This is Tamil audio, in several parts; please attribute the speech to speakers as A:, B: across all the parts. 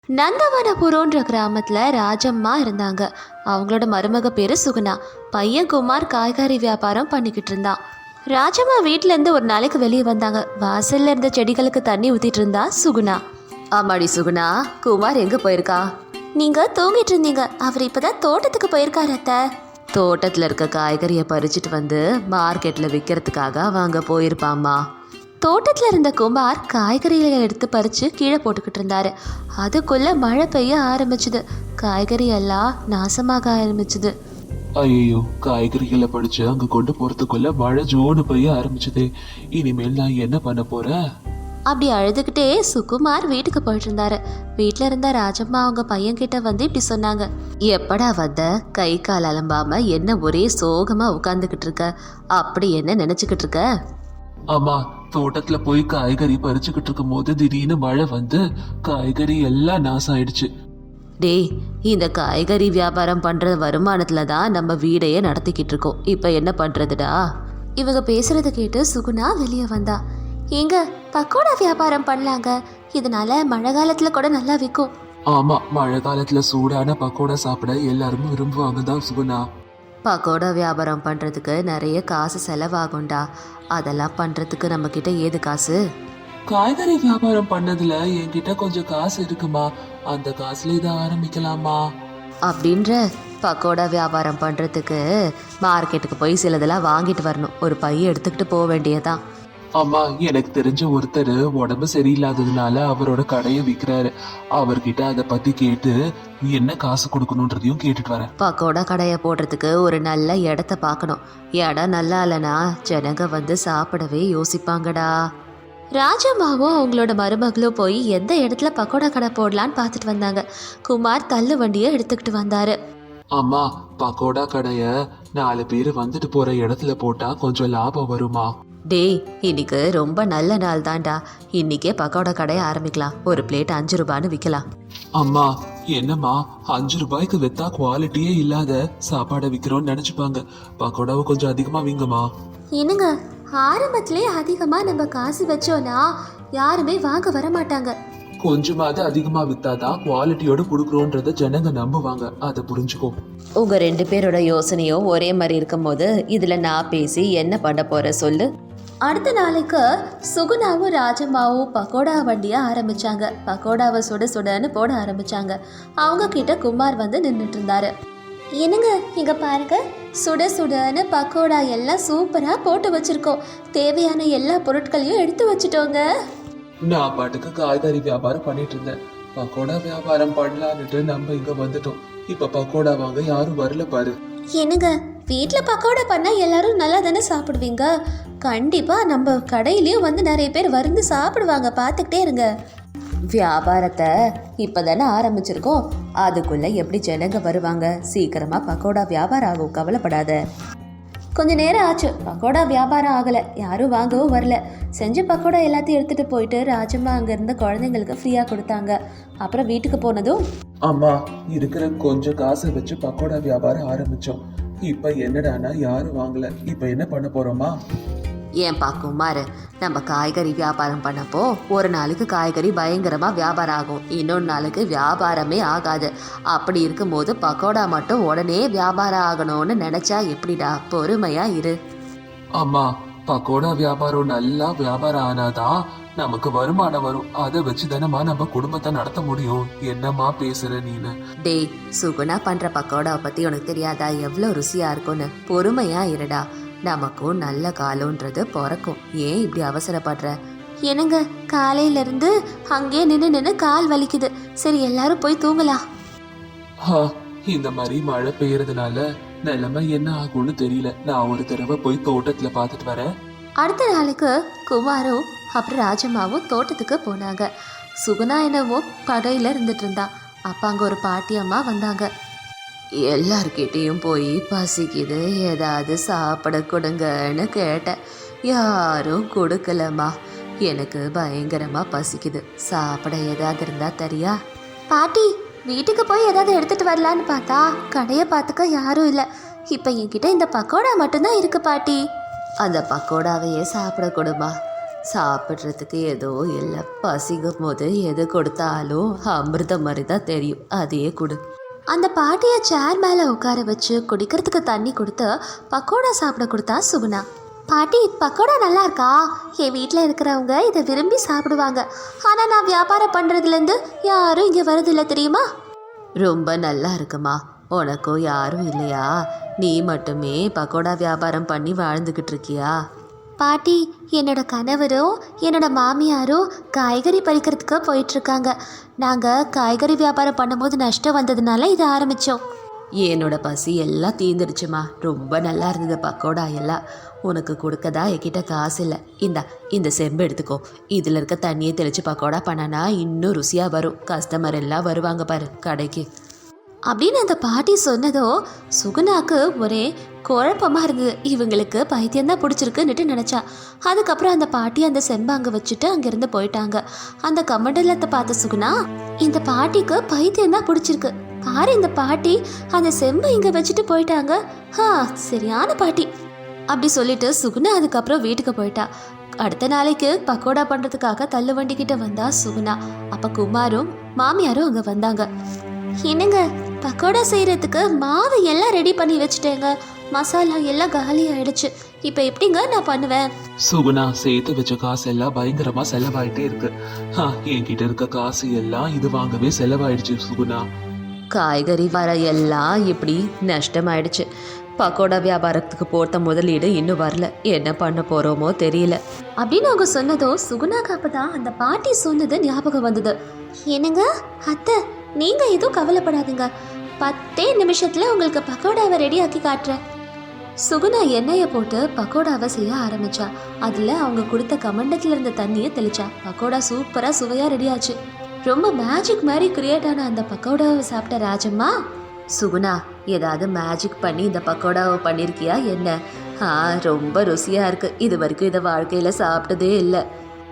A: நந்தவனபுரம்ன்ற கிராமத்தில் ராஜம்மா இருந்தாங்க. அவங்களோட மருமக பேர் சுகுணா. பையன் குமார் காய்கறி வியாபாரம் பண்ணிக்கிட்டு இருந்தான். ராஜம்மா வீட்டிலேருந்து ஒரு நாளைக்கு வெளியே வந்தாங்க. வாசல்ல இருந்த செடிகளுக்கு தண்ணி ஊற்றிட்டு இருந்தா சுகுணா. ஆமாடி சுகுணா, குமார் எங்கே போயிருக்கா? நீங்கள் தூங்கிட்டு இருந்தீங்க, அவர் இப்போதான் தோட்டத்துக்கு போயிருக்காரு அத்தை. தோட்டத்தில் இருக்க காய்கறியை பறிச்சுட்டு வந்து மார்க்கெட்டில் விற்கிறதுக்காக அவங்க போயிருப்பாம்மா. தோட்டத்தில் இருந்த குமார் காய்கறிகளை எடுத்து பறித்து கீழே போட்டுக்கிட்டு இருந்தாரு. அதுக்குள்ளே மழை பெய்ய ஆரம்பிச்சுது. காய்கறி எல்லாம் நாசமாக ஆரம்பிச்சுது.
B: ஐயோ, காய்கறிகளை படிச்சு அங்க கொண்டு போறதுக்குள்ள மழை ஜோடு பெய்ய ஆரம்பிச்சதே. இனிமேல் நான் என்ன பண்ண போறேன்?
A: அப்படி அழுதுகிட்டே சுகுமார் வீட்டுக்கு போயிட்டு இருந்தாரு. வீட்டில் இருந்த ராஜம்மா அவங்க பையன்கிட்ட வந்து இப்படி சொன்னாங்க. எப்படா வந்த? கை கால் அலம்பாம என்ன ஒரே சோகமா உட்காந்துக்கிட்டு இருக்க? அப்படி என்ன நினைச்சுக்கிட்டு இருக்க?
B: ஆமா, தோட்டத்துல போய் காய்கறி பறிச்சுக்கிட்டு இருக்கும் போது திடீர்னு மழை வந்து காய்கறி எல்லாம் நாசம் ஆயிடுச்சு.
A: டேய், இந்த காய்கறி வியாபாரம் பண்ற வருமானத்துல தான் நம்ம வீடையே நடத்திக்கிட்டு இருக்கோம். இப்ப என்ன பண்றதுடா? இவங்க பேசுறத கேட்டு சுகுணா வெளியே வந்தா. எங்க பக்கோடா வியாபாரம் பண்ணலாங்க, இதனால மழை காலத்துல கூட நல்லா விற்கும்.
B: ஆமா, மழை காலத்துல சூடான பக்கோடா சாப்பிட எல்லாரும் விரும்புவாங்க தான் சுகுணா.
A: பக்கோடா வியாபாரம் பண்றதுக்கு நிறைய காசு செலவாகும்டா. அதெல்லாம் பண்றதுக்கு நம்ம கிட்ட ஏது காசு?
B: காய்கறி வியாபாரம் பண்ணதுல என்கிட்ட கொஞ்சம் காசு இருக்குமா, அந்த காசுல இதை ஆரம்பிக்கலாமா?
A: அப்படின்ற பக்கோடா வியாபாரம் பண்றதுக்கு மார்க்கெட்டுக்கு போய் சிலதெல்லாம் வாங்கிட்டு வரணும். ஒரு பைய எடுத்துக்கிட்டு போக வேண்டியதான்.
B: ஆமா, எனக்கு தெரிஞ்ச ஒருத்தர் உடம்பு சரியில்லாததுனால அவரோட கடையை விற்கிறாரு. அவர்கிட்ட அதை பத்தி கேட்டு என்ன காசு கொடுக்கணுன்றதையும் கேட்டுட்டு வரேன்.
A: பக்கோடா கடையை போடுறதுக்கு ஒரு நல்ல இடத்த பார்க்கணும். இடம் நல்லா இல்லைனா ஜனங்க வந்து சாப்பிடவே யோசிப்பாங்கடா. ராஜம்மாவும் அவங்களோட மருமகளும் போய் எந்த இடத்துல பக்கோடா கடை போடலான்னு பார்த்துட்டு வந்தாங்க. குமார் தள்ளு வண்டியை எடுத்துக்கிட்டு வந்தாரு.
B: அம்மா, பக்கோடா கடைய 4 பேர் வந்துட்டு போற இடத்துல போட்டா கொஞ்சம் லாபம் வருமா?
A: டேய், இன்னைக்கு ரொம்ப நல்ல நாள் தான்டா. இன்னைக்கே பக்கோடா கடையை ஆரம்பிக்கலாம். ஒரு பிளேட் 5 ரூபான்னு விற்கலாம்.
B: அம்மா, என்னம்மா 5 ரூபாய்க்கு வித்தா குவாலிட்டியே இல்லாத சாப்பாடை விற்கிறோம்னு நினைச்சுப்பாங்க. பக்கோடாவை கொஞ்சம் அதிகமா வீங்கம்மா.
A: என்னங்க, ஆரம்பத்திலே அதிகமா நம்ம காசு வச்சோன்னா யாருமே வாங்க வர மாட்டாங்க.
B: கொஞ்சமாவது அதிகமா வித்தாதான் குவாலிட்டியோட கொடுக்குறோன்றத ஜனங்க நம்புவாங்க. அதை புரிஞ்சுக்கோ.
A: உங்க 2 பேரோட யோசனையும் ஒரே மாதிரி இருக்கும் போது இதுல நான் பேசி என்ன பண்ண போற சொல்லு. அடுத்த நாளைக்கு சுகுணாவும் ராஜம்மாவும் பக்கோடா வண்டியை ஆரம்பிச்சாங்க. பக்கோடாவை சுட சுடன்னு போட ஆரம்பிச்சாங்க. அவங்க கிட்ட குமார் வந்து நின்றுட்டு இருந்தாரு. என்னங்க, இங்க பாருங்க, சுட சுடன்னு பக்கோடா எல்லாம் சூப்பரா போட்டு வச்சிருக்கோம். தேவையான எல்லா பொருட்களையும் எடுத்து வச்சுட்டோங்க.
B: நான் பாட்டுக்கு காய்கறி வியாபாரம் பண்ணிட்டு இருந்தேன். பக்கோடா வியாபாரம் பண்ணலான்னுட்டு நம்ம இங்க வந்துட்டோம். இப்ப பக்கோடா வாங்க யாரும் வரல பாரு.
A: என்னங்க, வீட்டில் பக்கோடா பண்ணால் எல்லாரும் நல்லா தானே சாப்பிடுவீங்க. கண்டிப்பாக நம்ம கடையிலையும் வந்து நிறைய பேர் வந்து சாப்பிடுவாங்க. பார்த்துக்கிட்டே இருங்க. வியாபாரத்தை இப்போ தானே ஆரம்பிச்சிருக்கோம், அதுக்குள்ளே எப்படி ஜனங்க வருவாங்க? சீக்கிரமாக பக்கோடா வியாபாரம் ஆகும், கவலைப்படாத. கொஞ்ச நேரம் ஆச்சு, பக்கோடா வியாபாரம் ஆகலை, யாரும் வாங்கவும் வரல. செஞ்ச பக்கோடா எல்லாத்தையும் எடுத்துகிட்டு போயிட்டு ராஜம்மா அங்கே இருந்த குழந்தைங்களுக்கு ஃப்ரீயாக கொடுத்தாங்க. அப்புறம் வீட்டுக்கு போனதும்,
B: அம்மா, இருக்கிற கொஞ்சம் காசை வச்சு பக்கோடா வியாபாரம் ஆரம்பிச்சோம். இப்ப என்னடானா யாரும் வாங்கல. இப்ப என்ன பண்ண போறோமா?
A: ஏன்பா குமார், நம்ம காய்கறி வியாபாரம் பண்ணப்போ ஒரு நாளைக்கு காய்கறி பயங்கரமாக வியாபாரம் ஆகும், இன்னொரு நாளுக்கு வியாபாரமே ஆகாது. அப்படி இருக்கும்போது பக்கோடா மட்டும் உடனே வியாபாரம் ஆகணும்னு நினச்சா எப்படிடா? பொறுமையா இரு.
B: அம்மா, பக்கோடா வியாபாரம் நல்லா வியாபாரம் ஆனாதான் நமக்கு வருமானம் வரும். அதை வச்சு தானம்மா நம்ம குடும்பத்தை நடத்த முடியும். என்னம்மா பேசுற நீனு?
A: டேய், சுகுணா பண்ற பக்கோடாவை பத்தி உனக்கு தெரியாதா எவ்வளோ ருசியா இருக்கும்னு? பொறுமையா இருடா, நமக்கும் நல்ல காலம்ன்றது பிறக்கும். ஏன் இப்படி அவசரப்படுற? என்னங்க, காலையில இருந்து அங்கே நின்று கால் வலிக்குது. சரி, எல்லாரும் போய் தூங்கலாம்.
B: இந்த மாதிரி மழை பெய்யறதுனால நிலைமை என்ன ஆகும்னு தெரியல. நான் ஒரு தடவை போய் தோட்டத்துல பாத்துட்டு வரேன்.
A: அடுத்த நாளுக்கு குமாரும் அப்புறம் ராஜம்மாவும் தோட்டத்துக்கு போனாங்க. சுகுணா என்னவோ கடையில் இருந்துட்டு இருந்தா. அப்போ அங்கே ஒரு பாட்டி அம்மா வந்தாங்க. எல்லார்கிட்டையும் போய் பசிக்குது, ஏதாவது சாப்பிட கொடுங்கன்னு கேட்டேன். யாரும் கொடுக்கலம்மா. எனக்கு பயங்கரமாக பசிக்குது, சாப்பிட ஏதாவது இருந்தா தரியா? பாட்டி, வீட்டுக்கு போய் ஏதாவது எடுத்துகிட்டு வரலான்னு பார்த்தா கடையை பார்த்துக்க யாரும் இல்லை. இப்போ என்கிட்ட இந்த பக்கோடா மட்டும்தான் இருக்கு பாட்டி. அந்த பக்கோடாவையே சாப்பிட கொடுமா. சாப்பிட்றதுக்கு ஏதோ இல்லை, பசிக்கும் போது எது கொடுத்தாலும் அமிர்தம் மாதிரி தான் தெரியும், அதே கொடு. அந்த பாட்டியை சேர் மேலே உட்கார வச்சு குடிக்கிறதுக்கு தண்ணி கொடுத்து பக்கோடா சாப்பிட கொடுத்தா சுகுணா. பாட்டி, பக்கோடா நல்லா இருக்கா? என் வீட்டில் இருக்கிறவங்க இதை விரும்பி சாப்பிடுவாங்க. ஆனால் நான் வியாபாரம் பண்ணுறதுலேருந்து யாரும் இங்கே வரதில்லை தெரியுமா? ரொம்ப நல்லா இருக்குமா. உனக்கும் யாரும் இல்லையா? நீ மட்டுமே பக்கோடா வியாபாரம் பண்ணி வாழ்ந்துக்கிட்டு இருக்கியா? பாட்டி, என்னோட கணவரும் என்னோட மாமியாரும் காய்கறி பறிக்கிறதுக்கு போயிட்டுருக்காங்க. நாங்கள் காய்கறி வியாபாரம் பண்ணும்போது நஷ்டம் வந்ததுனால இதை ஆரம்பித்தோம். என்னோட பசி எல்லாம் தீர்ந்துடுச்சுமா. ரொம்ப நல்லா இருந்தது பக்கோடா எல்லாம். உனக்கு கொடுக்கதா என்கிட்ட காசு இல்லை. இந்த செம்பு எடுத்துக்கோ. இதில் இருக்க தண்ணியை தெளித்து பக்கோடா பண்ணனா இன்னும் ருசியாக வரும். கஸ்டமர் எல்லாம் வருவாங்க பாரு கடைக்கு அப்படின்னு அந்த பாட்டி சொன்னதோ சுகுணாக்கு ஒரே குழப்பமாக இருந்தது. இவங்களுக்கு பைத்தியம்தான் பிடிச்சிருக்குன்னுட்டு நினச்சா. அதுக்கப்புறம் அந்த பாட்டி அந்த செம்பை அங்கே வச்சுட்டு அங்கேருந்து போயிட்டாங்க. அந்த கமண்டலத்தை பார்த்த சுகுணா, இந்த பாட்டிக்கு பைத்தியம்தான் பிடிச்சிருக்கு பாரு, இந்த பாட்டி அந்த செம்பை இங்கே வச்சுட்டு போயிட்டாங்க. சரியான பாட்டி அப்படி சொல்லிட்டு சுகுணா அதுக்கப்புறம் வீட்டுக்கு போயிட்டா. அடுத்த நாளைக்கு பக்கோடா பண்ணுறதுக்காக தள்ளு வண்டிக்கிட்ட வந்தா சுகுணா. அப்போ குமாரும் மாமியாரும் அங்கே வந்தாங்க. என்னங்க, பக்கோடா செய்கிறதுக்கு மாவு எல்லாம் ரெடி பண்ணி வச்சுட்டேங்க. மசாலா எல்லாம் காலி ஆயிடுச்சு. இப்போ எப்படிங்க நான் பண்ணுவேன்?
B: சுகுணா, சேர்த்து வச்ச காசு எல்லாம் பயங்கரமா செலவாயிட்டே இருக்கு. என்கிட்ட இருக்க காசு எல்லாம் இது வாங்கவே செலவாயிடுச்சு சுகுணா.
A: காய்கறி வர எல்லாம் இப்படி நஷ்டமாயிடுச்சு. பக்கோடா வியாபாரத்துக்கு போட்ட முதலீடு இன்னும் வரல. என்ன பண்ண போகிறோமோ தெரியல அப்படின்னு அவங்க சொன்னதோ சுகுணாக்கு அப்பதான் அந்த பாட்டி சொன்னது ஞாபகம் வந்தது. என்னங்க அத்தை, நீங்கள் எதுவும் கவலைப்படாதுங்க. 10 நிமிஷத்தில் உங்களுக்கு பக்கோடாவை ரெடி ஆக்கி காட்டுறேன். சுகுணா எண்ணெயை போட்டு பக்கோடாவை செய்ய ஆரம்பிச்சா. அதில் அவங்க கொடுத்த கமண்டத்தில் இருந்த தண்ணியை தெளிச்சா. பக்கோடா சூப்பராக சுவையாக ரெடி ஆச்சு. ரொம்ப மேஜிக் மாதிரி கிரியேட் ஆன அந்த பக்கோடாவை சாப்பிட்ட ராஜம்மா, சுகுணா ஏதாவது மேஜிக் பண்ணி இந்த பக்கோடாவை பண்ணியிருக்கியா என்ன? ரொம்ப ருசியாக இருக்குது. இது வரைக்கும் இதை வாழ்க்கையில் சாப்பிட்டதே இல்லை.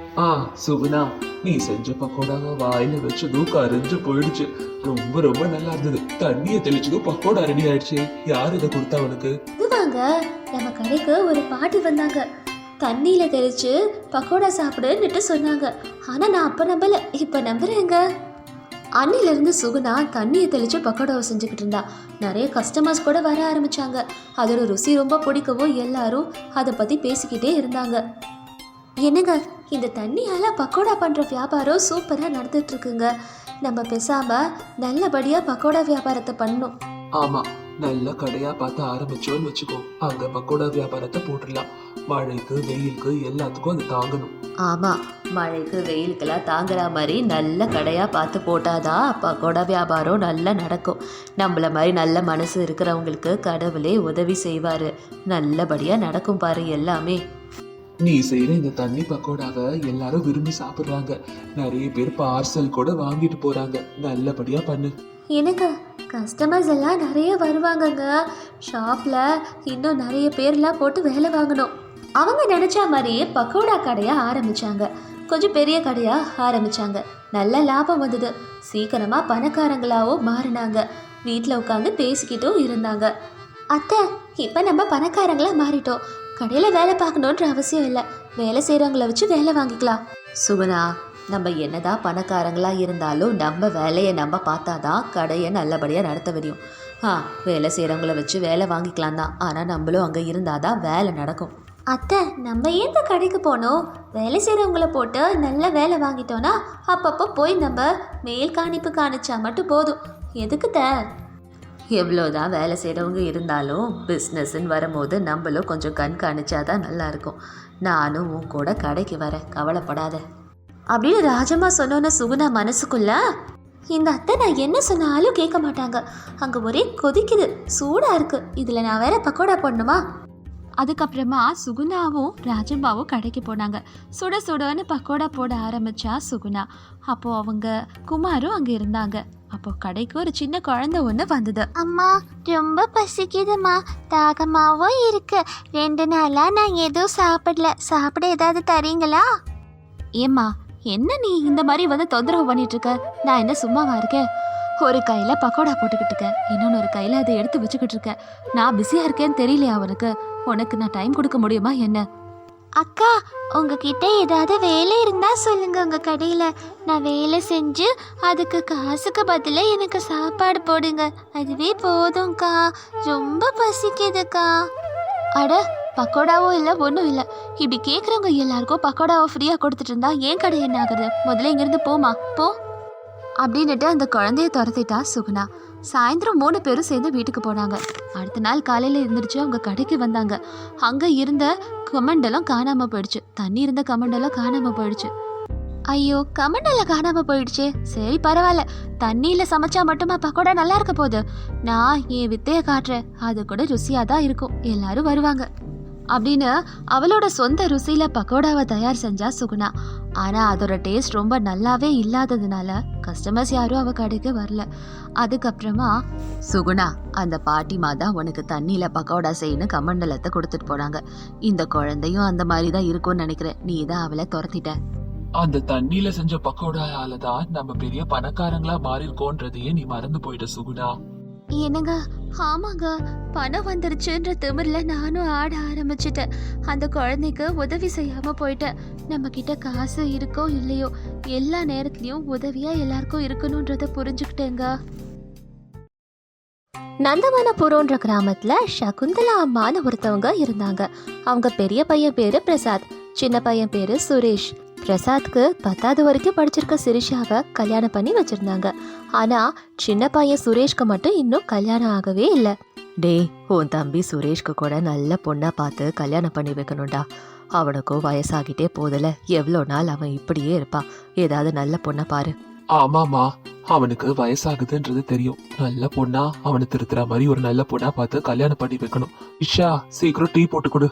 B: சுகுணா, நீ செஞ்ச பக்கோடாவை வாயில வச்சதும் கரைஞ்சு போயிடுச்சு. ரொம்ப ரொம்ப நல்லா இருந்தது. தண்ணியை தெளிச்சதும் பக்கோடா ரெடி ஆயிடுச்சு. யார் இதை கொடுத்தா உனக்கு?
A: இதுவாங்க, நம்ம கடைக்கு ஒரு பாட்டி வந்தாங்க. தண்ணியில தெளிச்சு பக்கோடா சாப்பிடுன்னுட்டு சொன்னாங்க. ஆனா நான் அப்ப நம்பல, இப்ப நம்புறேங்க. அன்னிலிருந்து சுகுணா தண்ணியை தெளிச்சு பக்கோடாவை செஞ்சுக்கிட்டு இருந்தா. நிறைய கஸ்டமர்ஸ் கூட வர ஆரம்பிச்சாங்க. அதோட ருசி ரொம்ப பிடிக்கவும் எல்லாரும் அதை பத்தி பேசிக்கிட்டே இருந்தாங்க. என்னங்க, இந்த தண்ணியால பக்கோடா பண்ற வியாபாரம் சூப்பரா நடந்துட்டு இருக்குங்க. நம்ம பேசாம நல்லபடியா பக்கோடா வியாபாரத்தை பண்ணணும்.
B: ஆமா, நல்ல கடையா பார்த்து ஆரம்பிச்சோன்னு வச்சுக்கோ. அங்க பக்கோடா வியாபாரத்தை போட்டுடலாம். மழைக்கு வெயிலுக்கு எல்லாத்துக்கும் அது தாங்கணும்.
A: ஆமா, மழைக்கு வெயிலுக்கெல்லாம் தாங்குற மாதிரி நல்ல கடையா பார்த்து போட்டாதான் பக்கோடா வியாபாரம் நல்லா நடக்கும். நம்மள மாதிரி நல்ல மனசு இருக்கிறவங்களுக்கு கடவுளே உதவி செய்வாரு. நல்லபடியா நடக்கும் பாரு எல்லாமே.
B: நீ செய்யற இந்த தண்ணி பக்கோடாவை எல்லாரும் விரும்பி சாப்பிடுறாங்க. நிறைய பேர் பார்சல் கூட வாங்கிட்டு போறாங்க. நல்லபடியா பண்ணு.
A: எனக்கு கஸ்டமர்ஸ் எல்லாம் நிறைய வருவாங்கங்க. ஷாப்ல இன்னும் நிறைய பேர்லாம் போட்டு வேலை வாங்கணும். அவங்க நினைச்ச மாதிரியே பக்கோடா கடையா ஆரம்பிச்சாங்க. கொஞ்சம் பெரிய கடையா ஆரம்பிச்சாங்க. நல்ல லாபம் வந்தது. சீக்கிரமா பணக்காரங்களாவும் மாறினாங்க. வீட்டில் உட்காந்து பேசிக்கிட்டும் இருந்தாங்க. அத்தை, இப்போ நம்ம பணக்காரங்களா மாறிட்டோம். கடையில் வேலை பார்க்கணுன்ற அவசியம் இல்லை. வேலை செய்கிறவங்கள வச்சு வேலை வாங்கிக்கலாம். சுகுணா, நம்ம என்னதான் பணக்காரங்களா இருந்தாலும் நம்ம வேலையை நம்ம பார்த்தாதான் கடையை நல்லபடியாக நடத்த முடியும். வேலை செய்கிறவங்கள வச்சு வேலை வாங்கிக்கலாம் தான். ஆனால் நம்மளும் அங்கே இருந்தால் தான் வேலை நடக்கும். அத்தை, நம்ம ஏன் கடைக்கு போனோம்? வேலை செய்கிறவங்கள போட்டு நல்ல வேலை வாங்கிட்டோன்னா அப்பப்போ போய் நம்ம மேல் காணிப்பு காணிச்சா மட்டும் போதும். எதுக்குத்த? எவ்வளோதான் வேலை செய்கிறவங்க இருந்தாலும் பிஸ்னஸ்ன்னு வரும்போது நம்மளும் கொஞ்சம் கண்காணிச்சாதான் நல்லாயிருக்கும். நானும் உன் கூட கடைக்கு வரேன், கவலைப்படாத அப்படின்னு ராஜம்மா சொன்னோன்னு சுகுணா மனசுக்குள்ள, இந்த அத்தை நான் என்ன சொன்னாலும் கேட்க மாட்டாங்க. அங்கே ஒரே கொதிக்குது, சூடாக இருக்குது. இதில் நான் வேற பக்கோடா போடணுமா? அதுக்கப்புறமா சுகுணாவும் ராஜம்மாவும் கடைக்கு போனாங்க. சுட சுடன்னு பக்கோடா போட ஆரம்பிச்சா சுகுணா. அப்போது அவங்க குமாரும் அங்கே இருந்தாங்க. அப்போ கடைக்கு ஒரு சின்ன குழந்தை ஒன்று வந்தது.
C: அம்மா, ரொம்ப பசிக்குதுமா, தாகமாவும் இருக்கு. 2 நாளா நான் எதுவும் சாப்பிட ஏதாவது தரீங்களா?
A: ஏம்மா, என்ன நீ இந்த மாதிரி வந்து தொந்தரவு பண்ணிட்டு இருக்க? நான் என்ன சும்மாவா இருக்கேன்? ஒரு கையில் பக்கோடா போட்டுக்கிட்டு இருக்கேன், இன்னொன்று கையில் அதை எடுத்து வச்சுக்கிட்டு இருக்கேன். நான் பிஸியாக இருக்கேன்னு தெரியலையா அவனுக்கு? உனக்கு நான் டைம் கொடுக்க முடியுமா என்ன?
C: அக்கா உங்ககிட்ட ஏதாவது வேலை இருந்தா சொல்லுங்க உங்க கடையில. நான் வேலை செஞ்சு அதுக்கு காசுக்கு பதிலா எனக்கு சாப்பாடு போடுங்க. அதுவே போதும்க்கா. ரொம்ப பசிக்குதுக்கா.
A: அட பக்கோடாவோ இல்லை ஒன்றும் இல்லை. இப்படி கேட்குறவங்க எல்லாருக்கும் பக்கோடாவை ஃப்ரீயாக கொடுத்துட்டு இருந்தா ஏன் கடை என்ன ஆகுது? முதல்ல இங்கேருந்து போமா போ அப்படின்னுட்டு அந்த குழந்தைய துரத்திட்டா சுகுணா. சாயந்தரம் 3 பேரும் சேர்ந்து வீட்டுக்கு போனாங்க. அடுத்த நாள் காலையில் இருந்துருச்சு அவங்க கடைக்கு வந்தாங்க. அங்கே இருந்த கமண்டலம் காணாமல் போயிடுச்சு. தண்ணி இருந்த கமண்டலம் காணாமல் போயிடுச்சு. ஐயோ கமண்டலம் காணாமல் போயிடுச்சு. சரி பரவாயில்ல, தண்ணியில் சமைச்சா மட்டுமா பக்கோடா நல்லா இருக்க போகுது? நான் என் வித்தையை காட்டுறேன், அது கூட ருசியாக தான் இருக்கும், எல்லாரும் வருவாங்க அப்படின்னு அவளோட சொந்த ருசியில பக்கோடாவை தயார் செஞ்சா சுகுணா. ஆனா அதோட டேஸ்ட் ரொம்ப நல்லாவே இல்லாததுனால கஸ்டமர்ஸ் யாரும் அவ கடைக்கு வரல. அதுக்கப்புறமா சுகுணா அந்த பாட்டிமா தான் உனக்கு தண்ணியில பக்கோடா செய்யணும் கமண்டலத்தை கொடுத்துட்டு போனாங்க. இந்த குழந்தையும் அந்த மாதிரி தான் இருக்கும்னு நினைக்கிறேன். நீ தான் அவளை துரத்திட்ட.
B: அந்த தண்ணியில செஞ்ச பக்கோடாயால தான் நம்ம பெரிய பணக்காரங்களா மாறிருக்கோன்றதையே நீ மறந்து போயிட்ட சுகுணா.
A: என்னங்க? ஆமாங்க, பணம் வந்துருச்சுன்ற திமிரில் நானும் ஆட ஆரம்பிச்சிட்டேன். அந்த குழந்தைக்கு உதவி செய்யாம போயிட்டேன். நம்ம கிட்ட காசு இருக்கோ இல்லையோ எல்லா நேரத்துலயும் உதவியா எல்லாருக்கும் இருக்கணும்ன்றத புரிஞ்சுக்கிட்டேங்க. நந்தவனபுரம்ன்ற கிராமத்துல சகுந்தலா அம்மான்னு ஒருத்தவங்க இருந்தாங்க. அவங்க பெரிய பையன் பேரு பிரசாத், சின்ன பையன் பேரு சுரேஷ். பிரசாத்க்கு 10வது வரைக்கும் படிச்சிருக்க சிரிஷாவை கல்யாணம் பண்ணி வச்சிருந்தாங்க. ஆனா சின்ன பையன் சுரேஷ்க்கு மட்டும் இன்னும் கல்யாணம் ஆகவே இல்லை. டேய், உன் தம்பி சுரேஷ்க்கு கூட நல்ல பொண்ணா பார்த்து கல்யாணம் பண்ணி வைக்கணும்டா. அவனுக்கும் வயசாகிட்டே போதில்ல, எவ்வளோ நாள் அவன் இப்படியே இருப்பான். ஏதாவது நல்ல பொண்ணை பாரு.
B: ஆமாமா, அவனுக்கு வயசாகுதுன்றது தெரியும். நல்ல பொண்ணா அவனை திருத்துற மாதிரி ஒரு நல்ல பொண்ணா பார்த்து கல்யாணம் பண்ணி வைக்கணும். இஷா, சீக்கிரம் டீ போட்டு கொடு.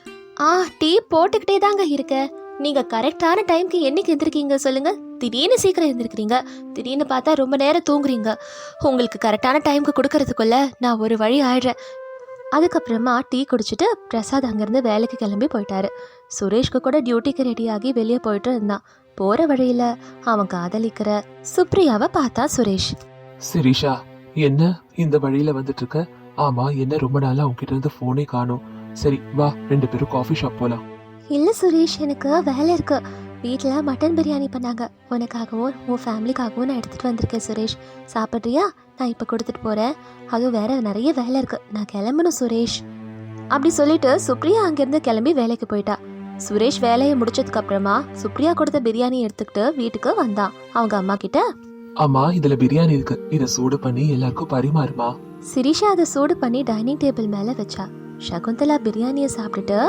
A: டீ போட்டுக்கிட்டே தாங்க இருக்க. நீங்க கரெக்டான டைம்க்கு என்னைக்கு எந்திருக்கீங்க சொல்லுங்க? திடீர்னு சீக்கிரம் எந்திருக்கிறீங்க, திடீர்னு பார்த்தா ரொம்ப நேரம் தூங்குறீங்க. உங்களுக்கு கரெக்டான டைம்க்கு கொடுக்கறதுக்குள்ள நான் ஒரு வழி ஆயிடுறேன். அதுக்கப்புறமா டீ குடிச்சிட்டு பிரசாத் அங்கேருந்து வேலைக்கு கிளம்பி போயிட்டாரு. சுரேஷ்க்கு கூட டியூட்டிக்கு ரெடியாகி வெளியே போயிட்டு இருந்தான். போற வழியில அவன் காதலிக்கிற சுப்ரியாவை பார்த்தா சுரேஷ்.
B: சிரிஷா, என்ன இந்த வழியில வந்துட்டு இருக்க? ஆமா, என்ன ரொம்ப நாளா உன்கிட்ட இருந்து போனே காணோம். சரி வா, 2 பேரும் காஃபி ஷாப் போலாம்.
A: இல்லை சுரேஷ், எனக்கு வேலை இருக்கு. வீட்டில் மட்டன் பிரியாணி பண்ணாங்க. உனக்காகவும் உன் ஃபேமிலிக்காகவும் நான் எடுத்துகிட்டு வந்திருக்கேன் சுரேஷ். சாப்பிட்றியா? நான் இப்போ கொடுத்துட்டு போகிறேன். அதுவும் வேற நிறைய வேலை இருக்கு, நான் கிளம்பணும் சுரேஷ் அப்படி சொல்லிட்டு சுப்ரியா அங்கேருந்து கிளம்பி வேலைக்கு போயிட்டா. சுரேஷ் வேலையை முடிச்சதுக்கு அப்புறமா சுப்ரியா கொடுத்த பிரியாணி எடுத்துக்கிட்டு வீட்டுக்கு வந்தான். அவங்க அம்மா கிட்ட,
B: அம்மா இதுல பிரியாணி இருக்கு, இத சூடு பண்ணி எல்லாருக்கும் பரிமாறுமா.
A: சிரிஷா அதை சூடு பண்ணி டைனிங் டேபிள் மேலே வச்சா. சகுந்தலா பிரியாணியை சாப்பிட்டுட்டு,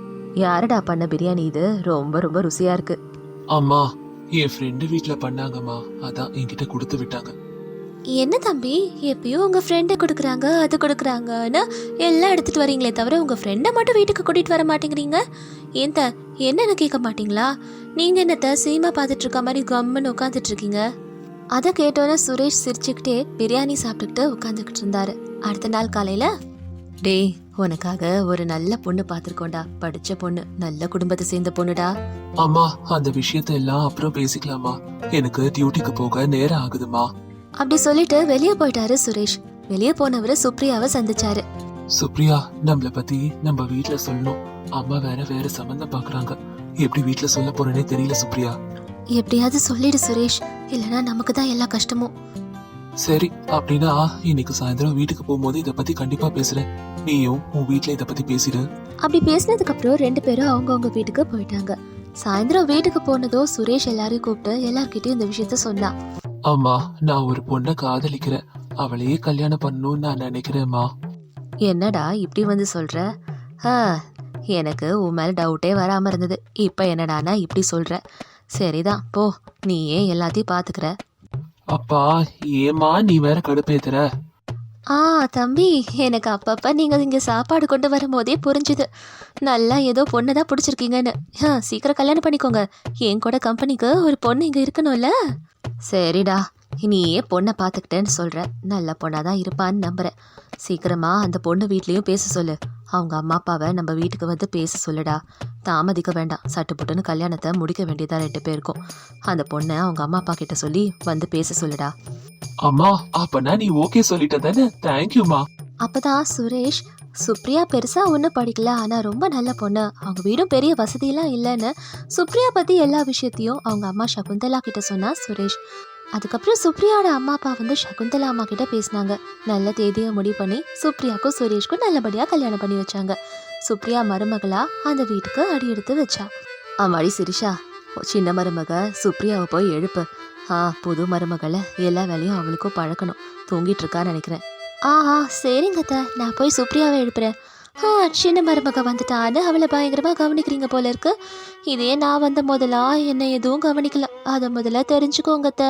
A: யாரடா பண்ண பிரியாணி இது? ரொம்ப ரொம்ப ருசியா இருக்கு.
B: அம்மா, என் ஃப்ரெண்டு வீட்ல பண்ணாங்கம்மா, அதான் என்கிட்ட கொடுத்து விட்டாங்க.
A: என்ன தம்பி, எப்பயும் உங்க ஃப்ரெண்டை கொடுக்குறாங்க அது கொடுக்குறாங்கன்னு எல்லாம் எடுத்துட்டு வரீங்களே தவிர உங்க ஃப்ரெண்டை மட்டும் வீட்டுக்கு கூட்டிட்டு வர மாட்டேங்கிறீங்க. ஏன்த என்னன்னு கேட்க மாட்டீங்களா? நீங்க என்னத்த சீமா பார்த்துட்டு இருக்க மாதிரி கம்முன்னு உட்காந்துட்டு இருக்கீங்க? அதை கேட்டோன்னே சுரேஷ் சிரிச்சுக்கிட்டே பிரியாணி சாப்பிட்டுக்கிட்டு உட்காந்துக்கிட்டு இருந்தாரு. அடுத்த நாள் காலையில, டேய் உனக்காக ஒரு நல்ல பொண்ணு பார்த்துருக்கோண்டா. படிச்ச பொண்ணு, நல்ல குடும்பத்தை சேர்ந்த பொண்ணுடா.
B: அம்மா, அந்த விஷயத்த எல்லாம் அப்புறம் பேசிக்கலாமா? எனக்கு டியூட்டிக்கு போக நேரம் ஆகுதுமா.
A: அப்படி சொல்லிட்டு வெளியே போயிட்டாரு சுரேஷ். வெளியே போனவரு சுப்ரியாவை சந்திச்சாரு.
B: சுப்ரியா, நம்மள பத்தி நம்ம வீட்ல சொல்லணும். அம்மா வேற சம்பந்தம் பாக்குறாங்க. எப்படி வீட்ல சொல்ல போறேனே தெரியல சுப்ரியா.
A: எப்படியாவது சொல்லிடு சுரேஷ், இல்லைன்னா நமக்கு தான் எல்லா கஷ்டமும்.
B: சரி, அப்படின்னா இன்னைக்கு சாயந்தரம் வீட்டுக்கு போகும்போது இத பத்தி கண்டிப்பா பேசுறேன். நீயும் உன் வீட்ல இத பத்தி பேசிடு.
A: அப்படி பேசினதுக்கு அப்புறம் 2 பேரும் அவங்கவுங்க வீட்டுக்கு போயிட்டாங்க. சாயந்தரம் வீட்டுக்கு போனதோ சுரேஷ் எல்லாரையும் கூப்பிட்டு எல்லார்கிட்டயும் இந்த விஷயத்த சொன்னான்.
B: அம்மா, நான் ஒரு பொண்ணை காதலிக்கிறேன். அவளையே கல்யாணம் பண்ணணும்னு நான் நினைக்கிறேன்மா.
A: என்னடா இப்படி வந்து சொல்ற? எனக்கு உன் மேல டவுட்டே வராம இருந்தது. இப்ப என்னடானா இப்படி சொல்ற? சரிதான் போ, நீயே எல்லாத்தையும் பாத்துக்கிற.
B: அப்பா, ஏமா நீ வேற கடுப்பேத்துற?
A: தம்பி, எனக்கு அப்பப்ப நீங்க இங்க சாப்பாடு கொண்டு வரும்போதே புரிஞ்சுது, நல்லா ஏதோ பொண்ணை தான் பிடிச்சிருக்கீங்கன்னு. சீக்கிரம் கல்யாணம் பண்ணிக்கோங்க. என் கூட கம்பெனிக்கு ஒரு பொண்ணு இங்க இருக்கணும்ல. சரிடா, நீயே பொண்ணை பார்த்துக்கிட்டேன்னு சொல்ற. நல்ல பொண்ணாதான் இருப்பான்னு நம்புறேன். சீக்கிரமா அந்த பொண்ணு வீட்லயும் பேச சொல்லு. அவங்க அம்மா அப்பாவை நம்ம வீட்டுக்கு வந்து பேச சொல்லுடா. தாமதிக்க வேண்டாம், சட்டு புட்டுன்னு கல்யாணத்தை முடிக்க வேண்டியதா 2 பேருக்கும். அந்த பொண்ணை அவங்க அம்மா அப்பா கிட்ட சொல்லி வந்து பேச சொல்லுடா.
B: அம்மா, அப்பனா நீ ஓகே சொல்லிட்ட தானே? தேங்க்யூமா.
A: அப்பதான் சுரேஷ் சுப்ரியா பெருசாக ஒன்றும் படிக்கல, ஆனால் ரொம்ப நல்ல பொண்ணு. அவங்க வீடும் பெரிய வசதியெல்லாம் இல்லைன்னு சுப்ரியா பற்றி எல்லா விஷயத்தையும் அவங்க அம்மா சகுந்தலா கிட்ட சொன்னா சுரேஷ். அதுக்கப்புறம் சுப்ரியாவோட அம்மா அப்பா வந்து சகுந்தலா அம்மா கிட்ட பேசினாங்க. நல்ல தேதியை முடிவு பண்ணி சுப்ரியாவுக்கும் சுரேஷ்க்கும் நல்லபடியாக கல்யாணம் பண்ணி வச்சாங்க. சுப்ரியா மருமகளா அந்த வீட்டுக்கு அடி எடுத்து வச்சா. ஆமாடி சிரிஷா, சின்ன மருமக சுப்ரியாவை போய் எழுப்பு. புது மருமகளை எல்லா வேலையும் அவளுக்கும் பழக்கணும். தூங்கிட்டு இருக்கான்னு நினைக்கிறேன். சரிங்க அத்தை, நான் போய் சுப்ரியாவை எழுப்புறேன். சின்ன மருமக வந்துட்டான்னு அவளை பயங்கரமாக கவனிக்கிறீங்க போல இருக்கு. இதே நான் வந்த முதலா என்ன எதுவும் கவனிக்கல, அதை முதல்ல தெரிஞ்சுக்கோங்க அத்தை.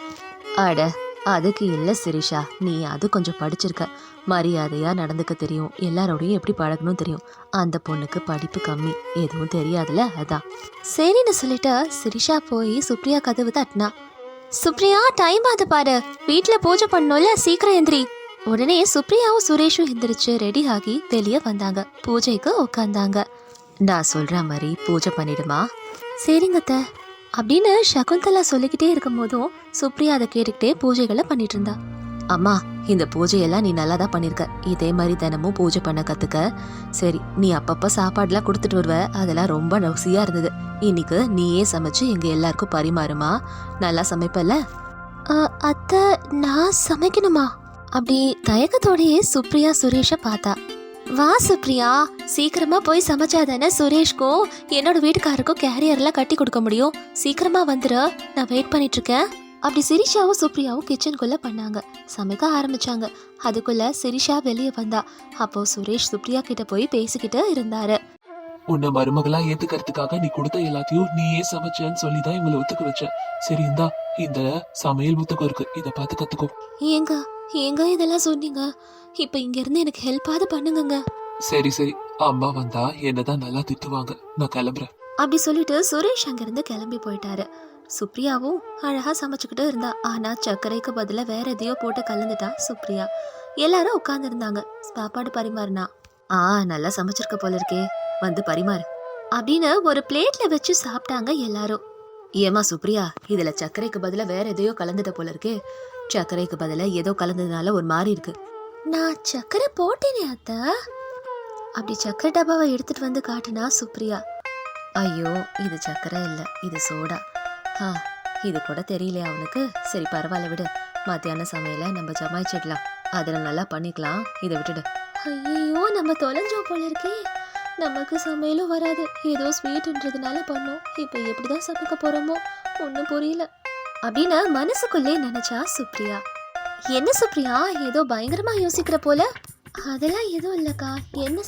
A: அட அதுக்கு இல்லை சிரிஷா, நீ அது கொஞ்சம் படிச்சிருக்க, மரியாதையாக நடந்துக்க தெரியும், எல்லாரோடையும் எப்படி பழகணும் தெரியும். அந்த பொண்ணுக்கு படிப்பு கம்மி, எதுவும் தெரியாதுல, அதான். சரின்னு சொல்லிட்டு சிரிஷா போய் சுப்ரியா கதவு தட்டினா. சுப்ரியா, டைம் ஆகுது பாரு, வீட்டில் பூஜை பண்ணோம்ல, சீக்கிரம் எந்திரி. உடனே சுப்ரியாவும் சுரேஷும் எந்திரிச்சு ரெடி ஆகி வெளியே வந்தாங்க. பூஜைக்கு உட்காந்தாங்க. நான் சொல்ற மாதிரி பூஜை பண்ணிடுமா? சரிங்க அத்தை அப்படின்னு சகுந்தலா சொல்லிக்கிட்டே இருக்கும் போதும் சுப்ரியா அதை கேட்டுக்கிட்டே பூஜைகளை பண்ணிட்டு இருந்தா. அம்மா, இந்த பூஜையெல்லாம் நீ நல்லா தான் பண்ணிருக்க, இதே மாதிரி தினமும் பூஜை பண்ண கத்துக்க. சரி, நீ அப்பப்ப சாப்பாடுலாம் கொடுத்துட்டு வருவ, அதெல்லாம் ரொம்ப ருசியா இருந்தது. இன்னைக்கு நீயே சமைச்சு எங்க எல்லாருக்கும் பரிமாறுமா? நல்லா சமைப்பல? அத்தை, நான் சமைக்கணுமா? அப்படி தயக்கத்தோடையே சுப்ரியா சுரேஷை பார்த்தா. வா சுப்ரியா, சீக்கிரமா போய் சமைச்சாதானே சுரேஷ்க்கும் என்னோட வீட்டுக்காருக்கும் கேரியர்லாம் கட்டி கொடுக்க முடியும். சீக்கிரமா வந்துரு, நான் வெயிட் பண்ணிட்டு இருக்கேன். அப்படி சிரிஷாவும் சுப்ரியாவும் கிச்சனுக்குள்ள பண்ணாங்க, சமைக்க ஆரம்பிச்சாங்க. அதுக்குள்ள சிரிஷா வெளியே வந்தா. அப்போ சுரேஷ் சுப்ரியா கிட்ட போய் பேசிக்கிட்டு இருந்தாரு.
B: உன்னை மருமகளா ஏத்துக்கிறதுக்காக நீ கொடுத்த எல்லாத்தையும் நீயே சமைச்சேன்னு சொல்லிதான் இவங்களை ஒத்துக்க வச்ச. சரி, இந்தா இந்த சமையல் புத்தகம் இருக்கு, இத பார்த்து கத்துக்கோ.
A: ஏங்க இதெல்லாம் சொன்னீங்க? இப்ப இங்க இருந்து எனக்கு ஹெல்ப்பாவது பண்ணுங்க.
B: சரி சரி, அம்மா வந்தா என்னதான் நல்லா திட்டுவாங்க, நான் கிளம்புறேன்.
A: அப்படி சொல்லிட்டு சுரேஷ் அங்கிருந்து கிளம்பி போயிட்டாரு. சுப்ரியாவும் அழகா சமைச்சுக்கிட்டு இருந்தா. ஆனா சர்க்கரைக்கு பதிலா வேற எதையோ போட்டு கலந்துட்டா சுப்ரியா. எல்லாரும் உட்கார்ந்து இருந்தாங்க. சாப்பாடு பரிமாறினா. நல்லா சமைச்சிருக்க போல இருக்கே, வந்து பரிமாறு அப்படின்னு ஒரு பிளேட்ல வச்சு சாப்பிட்டாங்க எல்லாரும். ஏமா சுப்ரியா, இதுல சர்க்கரைக்கு பதிலா வேற எதையோ கலந்துட்ட போல இருக்கே. சர்க்கரைக்கு பதிலா ஏதோ கலந்ததுனால ஒரு மாதிரி இருக்கு. நான் சர்க்கரை போட்டேனே அத்தை. அப்படி சர்க்கரை டப்பாவை எடுத்துட்டு வந்து காட்டினா சுப்ரியா. ஐயோ, இது சர்க்கரை இல்ல, இது சோடா. இது கூட தெரியலையா அவனுக்கு? சரி பரவாயில்ல விடு, மத்தியான சமையல நம்ம ஜமாய்ச்சிடலாம், அதில் நல்லா பண்ணிக்கலாம், இதை விட்டுடு. ஐயோ, நம்ம தொலைஞ்சோம் போல இருக்கே. நமக்கு சமையலும் வராது, ஏதோ ஸ்வீட்ன்றதுனால பண்ணோம். இப்போ எப்படிதான் சமைக்க போறோமோ ஒன்றும் புரியல அப்படின்னு மனசுக்குள்ளே நினைச்சா சுப்ரியா. என்ன சுப்ரியா, ஏதோ பயங்கரமா யோசிக்கிற போல? அதெல்லாம் எதுவும் இல்லக்கா, என்ன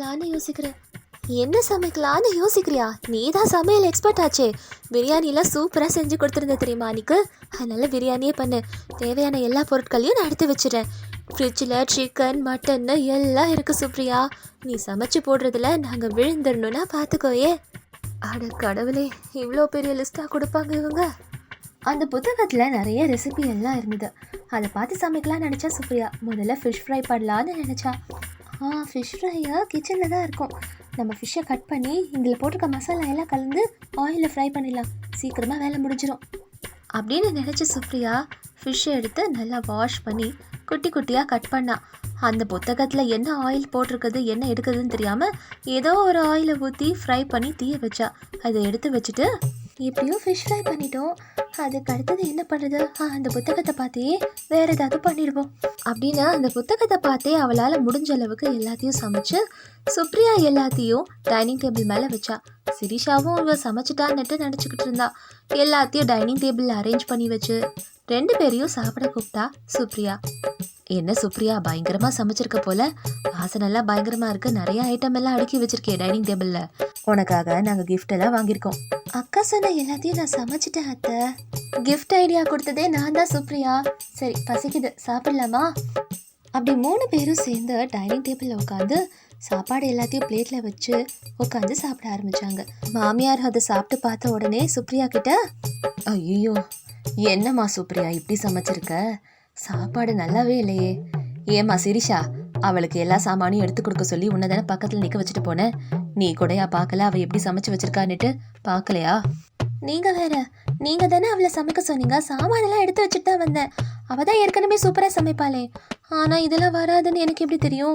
A: சமைக்கலான்னு யோசிக்கிறியா? நீ தான் சமையல் எக்ஸ்பர்ட் ஆச்சே, பிரியாணிலாம் சூப்பராக செஞ்சு கொடுத்துருந்த தெரியுமா அன்னைக்கு? அதனால பிரியாணியே பண்ணு. தேவையான எல்லா பொருட்களையும் நான் எடுத்து வச்சிடறேன். ஃப்ரிட்ஜில் சிக்கன் மட்டன்னு எல்லாம் இருக்குது சுப்ரியா. நீ சமைச்சு போடுறதுல நாங்கள் விழுந்துடணும்னா பார்த்துக்கோயே. அட கடவுளே, இவ்வளோ பெரிய லிஸ்ட்டாக கொடுப்பாங்க இவங்க. அந்த புத்தகத்தில் நிறைய ரெசிபி எல்லாம் இருந்தது. அதை பார்த்து சமைக்கலாம்னு நினச்சா சுப்ரியா. முதல்ல ஃபிஷ் ஃப்ரை பண்ணலான்னு நினச்சா. ஃபிஷ் ஃப்ரையா கிச்சனில் தான் இருக்கும். நம்ம ஃபிஷ்ஷை கட் பண்ணி இதில் போட்டிருக்க மசாலா எல்லாம் கலந்து ஆயிலில் ஃப்ரை பண்ணிடலாம், சீக்கிரமாக வேலை முடிஞ்சிடும் அப்படின்னு நினச்சி சுப்ரியா ஃபிஷ்ஷை எடுத்து நல்லா வாஷ் பண்ணி குட்டி குட்டியாக கட் பண்ணா. அந்த புத்தகத்தில் என்ன ஆயில் போட்டிருக்குது என்ன எடுக்குதுன்னு தெரியாமல் ஏதோ ஒரு ஆயிலை ஊற்றி ஃப்ரை பண்ணி தீய வச்சா. அதை எடுத்து வச்சுட்டு, எப்படியோ ஃபிஷ் ஃப்ரை பண்ணிட்டோம், அதுக்கு அடுத்தது என்ன பண்ணுறது? அந்த புத்தகத்தை பார்த்தே வேறு ஏதாவது பண்ணிடுவோம் அப்படின்னு அந்த புத்தகத்தை பார்த்தே அவளால் முடிஞ்ச அளவுக்கு எல்லாத்தையும் சமைச்சு சுப்ரியா எல்லாத்தையும் டைனிங் டேபிள் மேலே வச்சா. சிரிஷாவும் இவ சமைச்சிட்டான்னுட்டு நினச்சிக்கிட்டு இருந்தா. எல்லாத்தையும் டைனிங் டேபிளில் அரேஞ்ச் பண்ணி வச்சு 2 பேரையும் சாப்பிட கூப்பிட்டா சுப்ரியா. என்ன சுப்ரியா, பயங்கரமா சமைச்சிருக்க போல, வாசனெல்லாம் பயங்கரமா இருக்கு, நிறைய ஐட்டம் எல்லாம் அடுக்கி வச்சிருக்கேன் டைனிங் டேபிள்ல. உனக்காக நாங்க கிஃப்ட் எல்லாம் வாங்கியிருக்கோம். அக்கா சொன்ன எல்லாத்தையும் நான் சமைச்சிட்டேன் அத்தை. கிஃப்ட் ஐடியா கொடுத்ததே நான் தான் சுப்ரியா. சரி பசிக்குது, சாப்பிடலாமா? அப்படி 3 பேரும் சேர்ந்து டைனிங் டேபிளில் உட்காந்து சாப்பாடு எல்லாத்தையும் பிளேட்ல வச்சு உட்காந்து சாப்பிட ஆரம்பிச்சாங்க. மாமியார் அதை சாப்பிட்டு பார்த்த உடனே சுப்ரியா கிட்ட, ஐயோ என்னம்மா சுப்ரியா இப்படி சமைச்சிருக்க, சாப்பாடு நல்லாவே இல்லையே. ஏம்மா சிரிஷா, அவளுக்கு எல்லா சாமானையும் எடுத்து கொடுக்க சொல்லி உன்னை தானே பக்கத்தில் நிற்க வச்சுட்டு போனேன், நீ கூடயா பார்க்கல அவள் எப்படி சமைச்சு வச்சிருக்கான்னுட்டு? பார்க்கலையா? நீங்கள் வேற, நீங்கள் தானே அவளை சமைக்க சொன்னீங்க, சாமானெல்லாம் எடுத்து வச்சுட்டு தான் வந்தேன். அவள் தான் ஏற்கனவே சூப்பராக சமைப்பாளே, ஆனால் இதெல்லாம் வராதுன்னு எனக்கு எப்படி தெரியும்?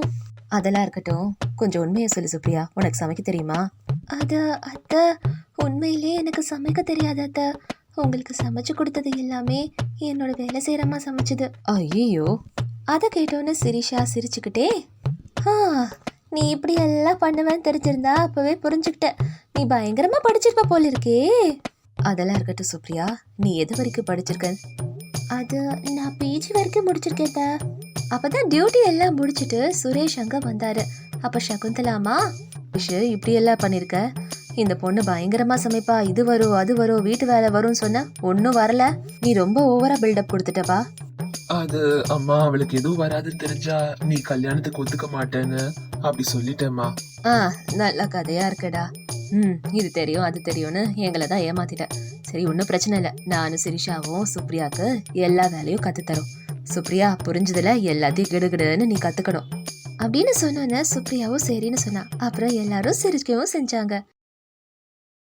A: அதெல்லாம் இருக்கட்டும், கொஞ்சம் உண்மையை சொல்லு சுப்ரியா, உனக்கு சமைக்க தெரியுமா? அது அத்தை, உண்மையிலே எனக்கு சமைக்க தெரியாது அத்தை. உங்களுக்கு சமைச்சு கொடுத்தது எல்லாமே என்னோட வேலை செய்கிறம்மா சமைச்சது. ஐயோ, அதை கேட்டோன்னு சிரிஷா சிரிச்சுக்கிட்டே, ஆ, நீ இப்படி எல்லாம் பண்ணுவேன்னு தெரிஞ்சிருந்தா அப்பவே புரிஞ்சுக்கிட்ட. நீ பயங்கரமா படிச்சிருப்ப போல இருக்கே. அதெல்லாம் இருக்கட்டும் சுப்ரியா, நீ எது வரைக்கும் படிச்சிருக்க? அது நான் பிஜி வரைக்கும் முடிச்சிருக்கேன். அப்பதான் டியூட்டி எல்லாம் முடிச்சிட்டு சுரேஷ் அங்க வந்தாரு. அப்ப சகுந்தலாமா, இப்படி எல்லாம் பண்ணிருக்க, இந்த பொண்ணு பயங்கரமா சமைப்பா, இது வரும் அது வரும் வீட்டு வேலை வரும்னு சொன்ன, ஒன்னும் வரல, நீ ரொம்ப ஓவரா பில்டப் கொடுத்துட்டப்பா.
B: அது அம்மா, அவளுக்கு எதுவும் வராதுன்னு தெரிஞ்சா நீ கல்யாணத்துக்கு ஒத்துக்க மாட்டேன்னு அப்படி சொல்லிட்டேம்மா.
A: நல்ல கதையா இருக்குடா. இது தெரியும் அது தெரியும்னு எங்களை தான் ஏமாத்திட்ட. சரி, ஒன்றும் பிரச்சனை இல்லை, நானும் சிரிஷாவும் சுப்ரியாவுக்கு எல்லா வேலையும் கற்றுத்தரோம். சுப்ரியா, புரிஞ்சதுல எல்லாத்தையும் கிடுகிடுன்னு நீ கற்றுக்கணும் அப்படின்னு சொன்னோன்னே சுப்ரியாவும் சரின்னு சொன்னா. அப்புறம் எல்லாரும் சிரிக்கவும் செஞ்சாங்க.